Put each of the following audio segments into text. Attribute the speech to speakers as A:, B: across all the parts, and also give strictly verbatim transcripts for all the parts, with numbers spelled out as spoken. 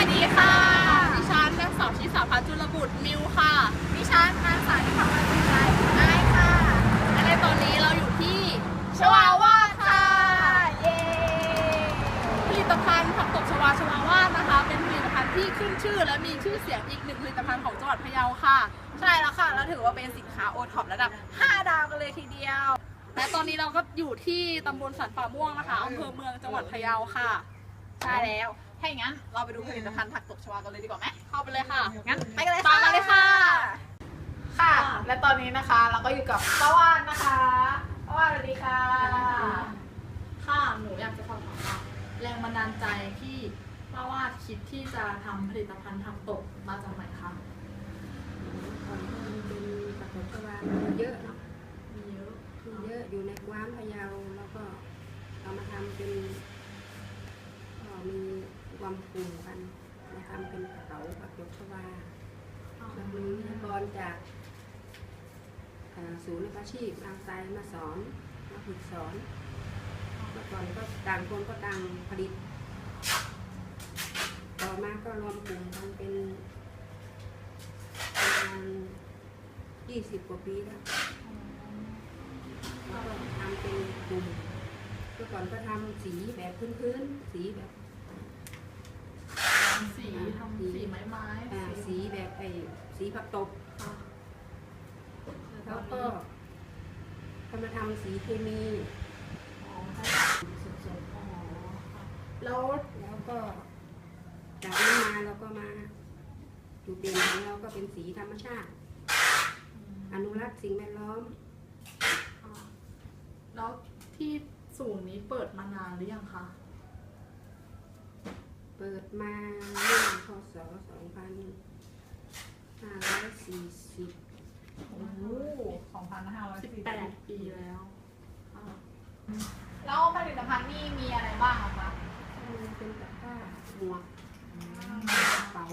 A: ดีค่ะ
B: ดิฉันนางสาวชิสาพัฒน์จุลบุตรมิวค่ะ
A: ดิฉันนางสาวนิพาวันจุฬาไอค่ะ
B: และในตอนนี้เราอยู่ที่
A: ชวาวาดค่ะเย้
B: ผลิตภัณฑ์ผักตบชวาชวาวาดนะคะเป็นผลิตภัณฑ์ที่ขึ้นชื่อและมีชื่อเสียงอีกหนึ่งผลิตภัณฑ์ของจังหวัดพะเยาค่ะ
A: ใช่แล้วค่ะแล้วถือว่าเป็นสินค้าโอท็อประดับห้าดาวกันเลยทีเดียว
B: และตอนนี้เราก็อยู่ที่ตำบลสันป่าม่วงนะคะอำเภอเมืองจังหวัดพะเยาค่ะ
A: ใช่แล้วถ้าอย่างนั้นเราไปดูผลิตภัณฑ์ผักตบชวากันเลยดีกว่าไหม
B: เข้าไปเลยค่ะ
A: งั้นไปกันเลย
B: ตามมาเลยค่ะ
A: ค่ะและตอนนี้นะคะเราก็อยู่กับป้าวานนะคะป้าวานสวัสดีค่ะ
B: ค่ะหนูอยากจะสอบถามว่าแรงบันดาลใจที่ป้าวาดคิดที่จะทำผลิตภัณฑ์ผักตบมาจากไหนคะ
C: ก่อนมันเป็นผักตบชวามันเยอะเนาะ
B: มีเยอะ
C: มีเยอะอยู่ในกว้านพะเยาแล้วก็เอามาทำเป็นก็มีความกลุ่มกันมาทำเป็นกระเป๋าผักตบชวาแล้วมีวิทยากรจากอ่าศูนย์อาชีพอาไซมาสอนมาฝึกสอนเมื่อก่อนก็ต่างคนก็ต่างผลิตต่อมาก็รวมกลุ่มกันเป็นประมาณยี่สิบกว่าปีแล้วแล้วก็ทำเป็นกลุ่มเมื่อก่อนก็ทำสีแบบพื้นๆสีแบบ
B: สีทำสีไม้ไม้
C: อ่าสีแบบไอ้สีผักตบแล้วก็ทำมาทำสีเคมีสดๆแล้วแล้วก็จากนั้นมาเราก็มาจุดเด่นของเราก็เป็นสีธรรมชาติอนุรักษ์สิ่งแวดล้อม
B: แล้วที่ศูนย์นี้เปิดมานานหรือยังคะ
C: เปิดมาเมื่อพศสองพันห้าร้อยสี่สิบ
A: โอ้โหสองพันห้าร้อย
B: สิบ
A: สี่สิบ
B: แปดปีแล้ว
A: แล้วผลิตภัณฑ์นี่มีอะไรบ้างคะ
C: เป็นตะกร้าหมวกกระเป๋า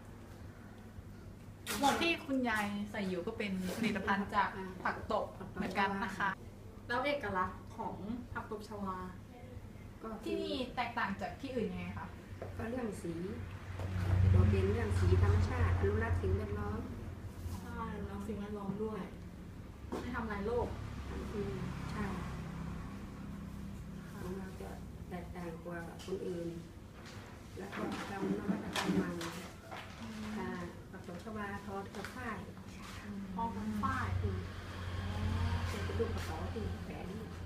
A: หมวกที่คุณยายใส่อยู่ก็เป็นผลิตภัณฑ์จากผักตบเหมือนกันนะคะ
B: แล้วเอกลักษณ์ของผักตบชวา
C: ก็
A: ที่นี่แตกต่างจากที่อื่นยังไงคะ
C: ก็เรื่องสีโดดเด่นเรื่องสีธรรมชาติอนุรักษ์สิ่งแวดล้อม
B: ใช่แล้วสิ่งแวดล้อมด้วยไม่ทำลายโลก
C: อืมใช่ของเราจะแตกต่างกว่าคนอื่นแล้วก็ทำนวัตกรรมใหม่ค่ะผักตบชวาทอกับฝ้าย
B: พอกันฝ้าย
C: เป็นกระดูกกระเป๋าที่แขวน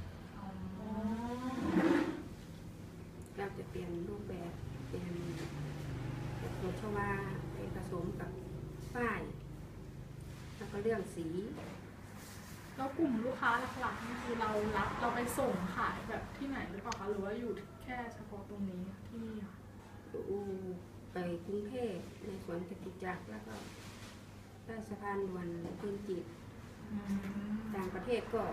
C: เราจะเปลี่ยนรูปแบบเปลี่ยนผักตบชวาไปผสมกับฝ้ายแล้วก็เรื่องสี
B: แล้วกลุ่มลูกค้าหลักๆนี่คือเรารับเราไปส่งขายแบบที่ไหนหรือเปล่าคะหรือว่าอยู่แค่เฉพาะตรงนี้ที่นี่ค่ะ
C: ดูไปกรุงเทพในสวนจตุจักรแล้วก็ใต้สะพานด่วนพื้นจิตต่างประเทศก็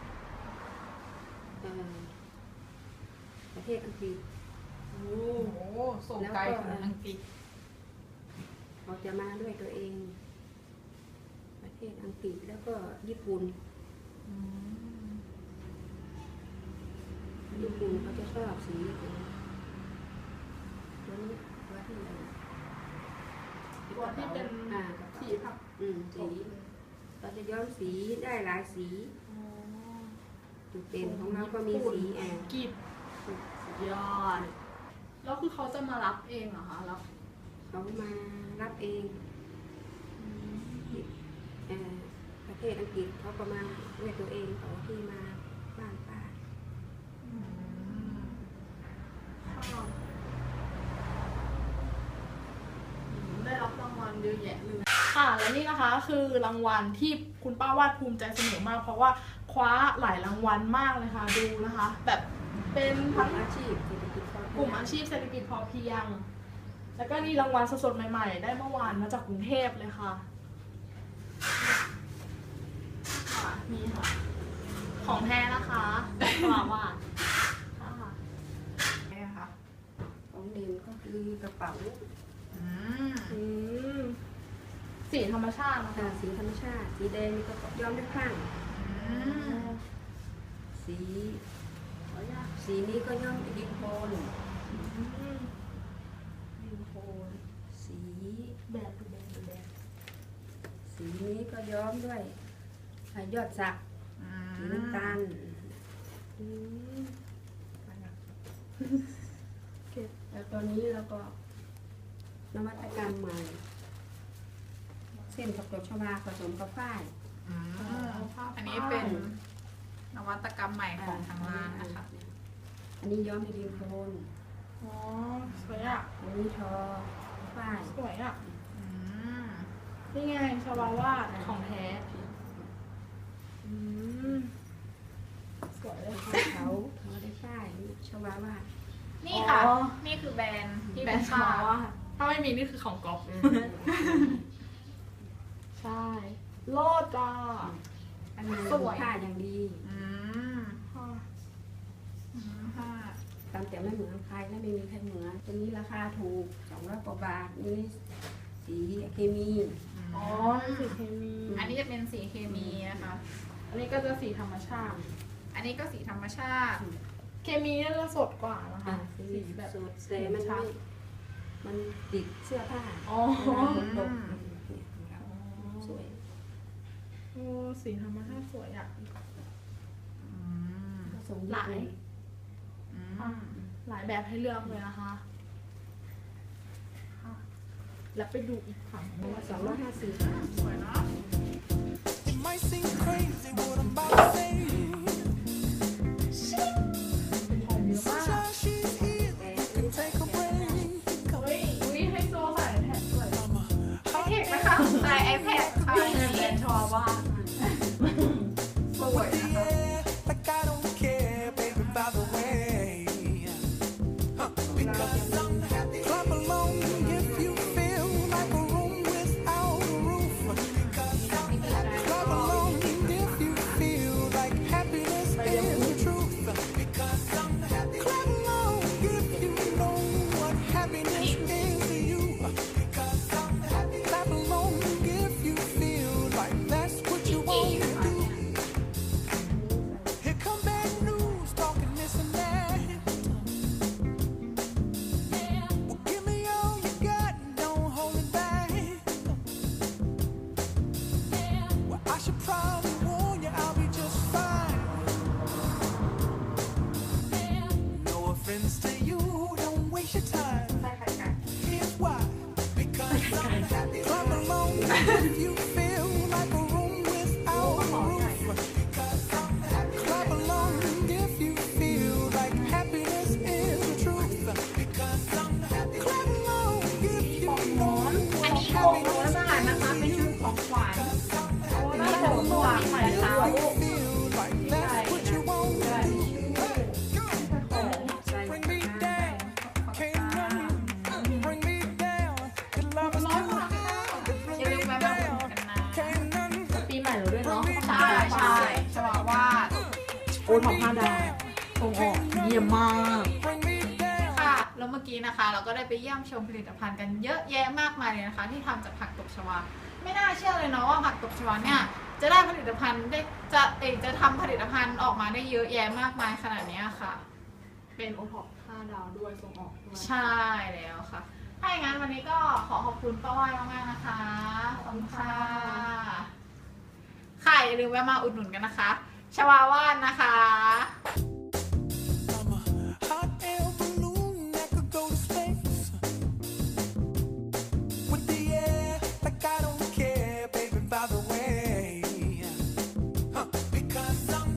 C: ประเทศอังกฤษ
A: โอ้โหส่งไกลถึงอังกฤษ
C: เราจะมาด้วยตัวเองประเทศอังกฤษแล้วก็ญี่ปุ่นญี่ปุ่นเขาจะชอบสีตัวนี้ตัวที่ไหน
B: ตัวที่เป็นสีผัก
C: อืมสีเราจะย้อมสีได้หลายสีจุดเด่นของเราก็มีสีแอน
B: กีบยอดแล้วคือเขาจะมารับเองเหรอคะแล้ว
C: เขามารับเองประเทศอังกฤษเขาก็มาด้วยตัวเองเขาที่มาบ้านป้า
B: ได้รับรางวัลเยอะแยะเลยค่ะและนี่นะคะคือรางวัลที่คุณป้าวาดภูมิใจเสนอมากเพราะว่าคว้าหลายรางวัลมากเลยค่ะดูนะคะแบบเป็นทั้ง
C: อาชีพเศรษฐกิจพอเพียง
B: กลุ่มอาชีพเศรษฐกิจพอเพียงแล้วก็นี่รางวัลสดๆใหม่ๆได้เมื่อวานมาจากกรุงเทพเลยค่ะนี่ค่ะของแท้นะคะป้าวาดค่ะ
A: นี่ค่ะ
C: ของเด่นก็คือกระเป๋า
B: สีธรรมชาตินะคะ
C: สีธรรมชาติสีแดงนี่ก็ย้อมด้วยคลั่งสีสีนี้ก็ย้อมด้วยดินโคลนดินโคลนย้อมด้วยยอดสัก
A: อื
C: สีน้ำตาล
B: อืม
C: แล้วตอนนี้เราก็นวัตกรรมใหม่ เส้นกับดอกชวาผสมกับฝ้าย
A: อืมอันนี้เป็นนวัตกรรมใหม่ของทางร้านนะคะ
C: อันนี้ย้อมในดินโคลน
B: อ๋อสวยอ่ะ
C: อันนี้ทอฝ้าย
B: สวยอ่ะ
A: อืม
B: นี่ไงชวาวาดของแท้อืมสวยเลย
C: เขาเขาได้ฝ้ายชวาวาด
A: นี่ค่ะ
B: อ๋อ
A: นี่คือแบรนด์ที่
B: แบรนด์ชวาวาดถ้าไม่มีนี่คือของก๊อฟใช่โลดจ้า
C: อันนี้
B: สวย
C: ผ้าอย่างดี
A: อืม
B: ค่ะ
A: อืมค่ะ
C: ตามแต่ไม่เหมือนใครและไม่มีใครเหมือนตัวนี้ราคาถูกสองร้อยกว่าบาทนี่สีเคมี
B: อ๋อสีเคมี
A: อันนี้จะเป็นสีเคมีนะคะ
B: อันนี้ก็จะสีธรรมชาติ
A: อันนี้ก็สีธรรมชาติ
B: เคมีน่าจะสดกว่านะคะ
C: อ่ะสี
B: สีแบบ
C: สดเซมันไม่มันติดเสื้อผ้า
B: อ๋อ
C: เวลาฝนตกสวย
B: โอ้สีธรรมชาติสวยอ่ะ
A: อืม
C: ผสม
B: หลาย
A: อืม
B: หลายแบบให้เลือกเลยนะคะค่ะแล้วไปดูอีกฝั่งหนึงว่า
C: สองร้อยห้าสิบ
A: สวยเนาะ
D: It might seem crazy what I'm about to say.
B: เป็นของเยอะมาก
D: Sunshine, she's here. You can take a break.
B: เฮ้ยอุ้ยให้โซใส่แผ่นสวย
D: I'm a
A: เขาเทคนะคะใส่ iPad ค่ะ
B: นี่แบรนด์ชอว่า
A: สวยนะคะ
D: yeah, like I don't care, baby, by the way. Huh, because I'm happy. Clap along if you feel like a room without a roof. Because I'm happy. Clap along if you feel like happiness is the truth. Because I'm happy. Clap along if you know what happiness is to you. Because I'm happy. Clap along if you feel like that's what you want to do. Here come bad news, talking this and that. Well, give me all you got, don't hold it back. Well, I should probably warn you, I'll be just fine. No offense to you, don't waste your time. Here's why. Because I'm happy. Clap along if you feel like a room without a roof. Because I'm happy. Clap along if you feel like happiness is the truth. Because I'm happy. Clap along if you know
A: อันนี้โกงร้อยบาทนะคะ เป็นชุดของขวัญ
B: โอ้น่าจะสวยใหม่ค่ะ
D: you feel like that's what you want to do.
C: ใส่
D: Bring me down, can't nothing bring me down. Your love is
B: ร้อยบาท
A: อย่าลืมแวะมาอุดหนุนกันนะ
D: can't nothing
B: ปีใหม่เราด้วยเนาะ
A: ใช่ใช่ชวาวาด
B: โอ้ทำห้าดาวส่งออกเยี่ยมมาก
D: bring me down.
A: ค่ะ แล้วเมื่อกี้นะคะ เราก็ได้ไปเยี่ยมชมผลิตภัณฑ์กันเยอะแยะมากมายเลยนะคะ ที่ทำจากผักตบชวา ไม่น่าเชื่อเลยเนาะว่าผักตบชวาเนี่ยจะได้ผลิตภัณฑ์ได้จะเอกจะทำผลิตภัณฑ์ออกมาได้เยอะแยะมากมายขนาดเนี้ยค่ะ
B: เป็นโอท็อปห้าดาวด้วยส่งออกด้วย
A: ใช่แล้วค่ะ ถ้าอย่างนั้นวันนี้ก็ขอขอบคุณป้าว่านมากๆนะคะ ขอบคุณค่ะ ค่ะอย่าลืมแวะมาอุดหนุนกันนะคะ ชวาว่านนะคะ